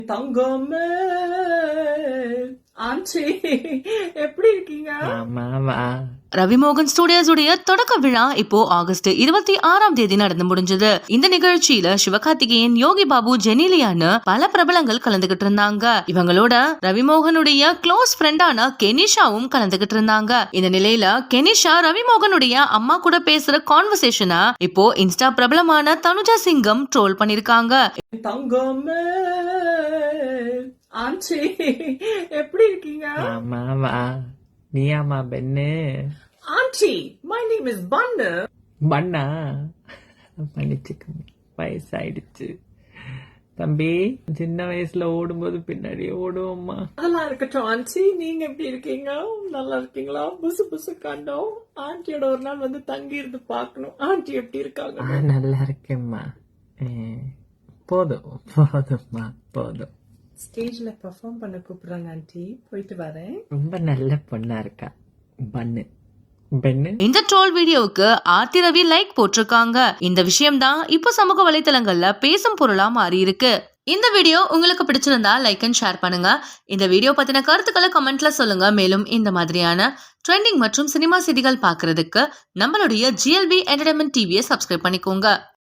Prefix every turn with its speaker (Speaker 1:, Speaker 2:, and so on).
Speaker 1: தங்கமே ஆண்டி எப்படி இருக்கீங்க?
Speaker 2: ரவிமோகன் ஸ்டுடியோஸ் உடைய தொடக்க விழா இப்போ ஆகஸ்ட் 26 நடந்து முடிஞ்சது. இந்த நிகழ்ச்சியில சிவகார்த்திகேயன், யோகி பாபு, ஜெனிலியான்னு பல பிரபலங்கள் கலந்துகிட்டு இருந்தாங்க. இவங்களோட ரவிமோகனுடைய க்ளோஸ் ஃப்ரெண்டான கெனிஷாவும் கலந்துகிட்டு இருந்தாங்க. இந்த நிலையில கெனிஷா ரவிமோகனுடைய அம்மா கூட பேசுற கான்வர்சேஷனை இப்போ இன்ஸ்டா பிரபலமான தனுஜா சிங்கம் ட்ரோல் பண்ணிருக்காங்க.
Speaker 1: தங்கமே ஆண்டி எப்படி இருக்கீங்க?
Speaker 3: நீயாமா பெண்ணு?
Speaker 1: Aunty my name is Bannu.
Speaker 3: பண்ணா மன்னிச்சுக்க, வயசாயிடுச்சு தம்பி. சின்ன வயசுல ஓடும்போது பின்னாடியே ஓடுவோம்மா.
Speaker 1: அதெல்லாம் இருக்கட்டும் ஆண்டி, நீங்க எப்படி இருக்கீங்க? நல்லா இருக்கீங்களா? புசு புசு கண்டோம். ஆண்டியோட ஒரு நாள் வந்து தங்கி இருந்து பாக்கணும். ஆண்டி எப்படி இருக்காங்க?
Speaker 3: நல்லா இருக்கேம்மா. போதும் போதும்மா போதும்.
Speaker 1: ஸ்டேஜ்ல பெர்ஃபார்ம் பண்ண கூப்பிடுறாங்க ஆண்டி, போயிட்டு வரேன்.
Speaker 3: ரொம்ப நல்ல பொண்ணா இருக்கா பண்ணு பெண்ணு.
Speaker 2: இந்த ட்ரோல் வீடியோவுக்கு ஆர்த்தி ரவி லைக் போட்டிருக்காங்க. இந்த விஷயம் தான் இப்போ சமூக வலைத்தளங்கள்ல பேசும் பொருளா மாறி இருக்கு. இந்த வீடியோ உங்களுக்கு பிடிச்சிருந்தா லைக் அண்ட் ஷேர் பண்ணுங்க. இந்த வீடியோ பத்தின கருத்துக்களை கமெண்ட்ல சொல்லுங்க. மேலும் இந்த மாதிரியான ட்ரெண்டிங் மற்றும் சினிமா செய்திகள் பாக்குறதுக்கு நம்மளுடைய GLB என்டர்டைன்மெண்ட் டிவியை சப்ஸ்கிரைப் பண்ணிக்கோங்க.